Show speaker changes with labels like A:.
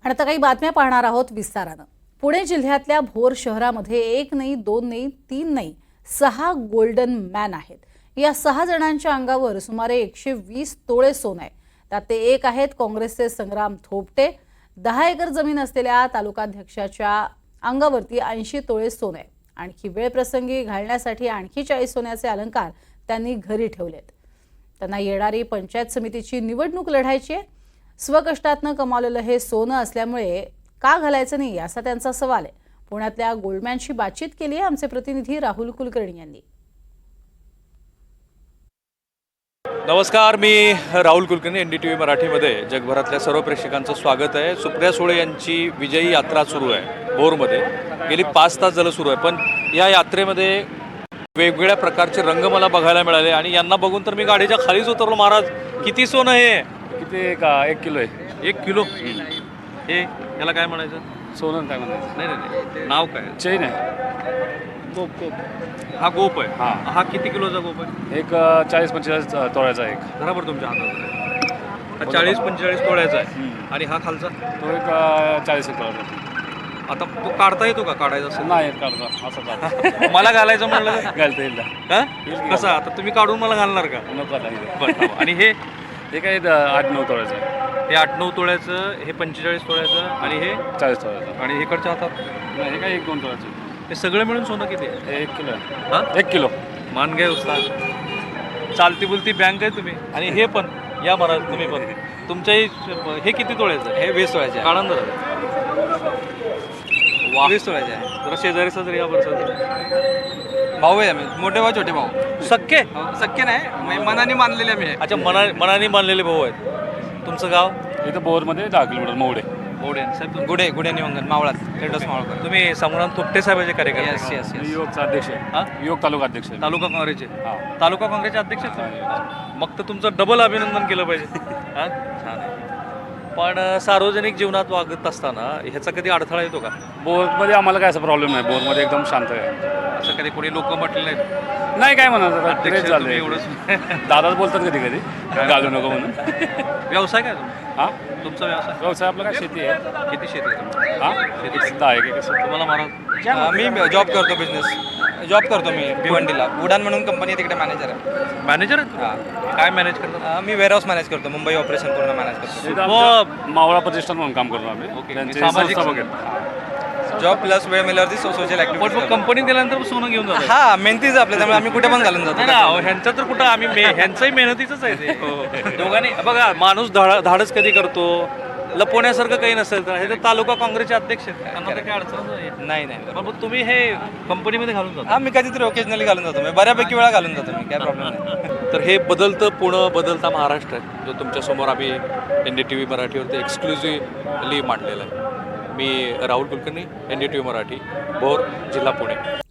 A: आणि आता काही बातम्या पाहणार आहोत विस्तारानं। पुणे जिल्ह्यातल्या भोर शहरामध्ये एक नाही, दोन नाही, तीन नाही, 6 गोल्डन मॅन आहेत। या 6 जणांच्या अंगावर सुमारे 120 तोळे सोनं आहे। त्यात ते एक आहेत काँग्रेसचे संग्राम थोपटे। 10 एकर जमीन असलेल्या तालुकाध्यक्षाच्या अंगावरती 80 तोळे सोनं आहे। आणखी वेळ प्रसंगी घालण्यासाठी आणखी 40 सोन्याचे अलंकार त्यांनी घरी ठेवलेत। त्यांना येणारी पंचायत समितीची निवडणूक लढायची आहे। स्वकष्टातनं कमावलेलं हे सोनं असल्यामुळे का घालायचं नाही असा त्यांचा सवाल आहे। पुण्यातल्या गोल्डमॅनशी बातचीत केली आहे आमचे प्रतिनिधी राहुल कुलकर्णी यांनी।
B: नमस्कार, मी राहुल कुलकर्णी, NDTV मराठीमध्ये जगभरातल्या सर्व प्रेक्षकांचं स्वागत आहे। सुप्रिया सुळे यांची विजयी यात्रा सुरू आहे भोरमध्ये। गेली 5 तास झालं सुरू आहे, पण या यात्रेमध्ये वेगवेगळ्या प्रकारचे रंग मला बघायला मिळाले आणि यांना बघून तर मी गाडीच्या खालीच उतरलो। महाराज, किती सोनं हे?
C: किती का 1 किलो आहे?
B: 1 किलो हे याला काय म्हणायचं?
C: सोनं काय म्हणायचं?
B: नाही नाही नाही, नाव काय?
C: चेन आहे, गोप
B: हा गोप आहे।
C: हां.
B: हा किती किलोचा गोप आहे?
C: एक 40-45 तोळ्याचा एक
B: बरोबर तुमच्या हातात। हा 40-45 तोळ्याचा आहे आणि हा खालचा
C: तो एक 40 तोळ्याचा।
B: आता तो काढता येतो का? काढायचा असेल
C: नाही काढता, असं काढता
B: मला घालायचं म्हणलं तर?
C: घालता येईल
B: हा? कसं आता तुम्ही काढून मला घालणार का?
C: नको आता
B: बरं, आणि हे
C: काय 8-9 तोळ्याचं आहे।
B: हे 8-9 तोळ्याचं, हे 45 तोळ्याचं आणि हे
C: 40 तोळ्याचं।
B: आणि इकडच्या हातात
C: नाही, हे काय 1-2 तोळ्याचं।
B: हे सगळं मिळून सोनं किती आहे?
C: हे 1 किलो आहे।
B: हां,
C: 1 किलो
B: मान घ्या उस्ताद, चालती बुलती बँक आहे तुम्ही। आणि हे पण या महाराज, तुम्ही पण तुमच्याही हे किती तोळ्याचं?
D: हे 20 तोळ्याचे आहे।
B: काढा जरा। वा,
D: 20 तोळ्याचे आहे।
B: जरा शेजारीचा जरी या बरं।
D: भाऊ आहे आम्ही, मोठे भाऊ छोटे भाऊ।
B: सक्के?
D: शक्य नाही, मनाने मानलेले आम्ही आहे।
B: अच्छा, मनाने मानलेले भाऊ आहेत। तुमचं गाव?
C: इथं बोरमध्ये 10 किलोमीटर मोडे
B: मोडे साहेब।
D: गुढे निवंगन मावळात टेडस मावळकर।
B: तुम्ही संग्राम थोपटे साहेबांचे कार्यकर्ते?
D: Yes yes yes.
C: युवकचा अध्यक्ष आहे।
B: हां,
C: युवक तालुका अध्यक्ष आहे।
B: तालुका काँग्रेसचे?
C: हां,
B: तालुका काँग्रेसचे अध्यक्ष आहेत तुम्ही? मग तर तुमचं डबल अभिनंदन केलं पाहिजे। हां, छान आहे। पण सार्वजनिक जीवनात वागत असताना ह्याचा कधी अडथळा येतो का?
C: बोरमध्ये आम्हाला काय असा प्रॉब्लेम नाही, बोरमध्ये एकदम शांत आहे।
B: असं कधी कोणी लोक म्हटले नाहीत?
C: नाही, काय म्हणत आता
B: अध्यक्ष
C: झालं
B: तुम्ही एवढंच?
C: दादाच बोलतात कधी कधी घालू नको म्हणून।
B: व्यवसाय काय तुमचा?
C: हां,
B: तुमचा व्यवसाय?
C: व्यवसाय आपला काय शेती आहे।
B: किती शेती आहे तुमची?
C: हां, शेती सुद्धा आहे की कसं?
B: तुम्हाला महाराज?
D: मी जॉब करतो, जॉब करतो मी भिवंडीला। उडान म्हणून कंपनी तिकडे मॅनेजर आहे।
B: मॅनेजर?
D: हां,
B: काय मॅनेज करतात?
D: मी वेअरहाऊस मॅनेज करतो, मुंबई ऑपरेशन पूर्ण मॅनेज करतो।
C: इथं आमच्या मावळा प्रतिष्ठान म्हणून काम करतो आम्ही।
B: ओके,
D: म्हणजे
C: त्यांची
B: सामाजिक
C: संस्था वगैरे।
D: जॉब प्लस वेळ मिळाल्यावरती सोशल ऍक्टिव्हिटी।
B: कंपनीत गेल्यानंतर सोनं घेऊन जातो?
D: हा, मेहनतीच आपल्या, त्यामुळे आम्ही कुठे पण घालून
B: नाही
D: जातो।
B: ना, ह्यांचं तर कुठं आम्ही ह्यांचंही मेहनतीचंच आहे ते। दोघांनी बघा, माणूस धाडस कधी करतो, लपवण्यासारखं काही नसेल तर हे तर तालुका काँग्रेसचे अध्यक्ष आहेत, त्यांना तर काही अडचण नाही।
D: नाही
B: मग तुम्ही हे कंपनीमध्ये घालून जाता?
D: हा, मी कधीतरी ओकेजनली घालून जातो, मी बऱ्यापैकी वेळा घालून जातो मी, काय प्रॉब्लेम नाही।
B: तर हे बदलतं पुणे, बदलता महाराष्ट्र आहे, जो तुमच्यासमोर आम्ही NDTV मराठीवरती एक्सक्लुझिव्हली मांडलेला आहे। मी राहुल कुलकर्णी, NDTV मराठी, भोर, जिल्हा पुणे।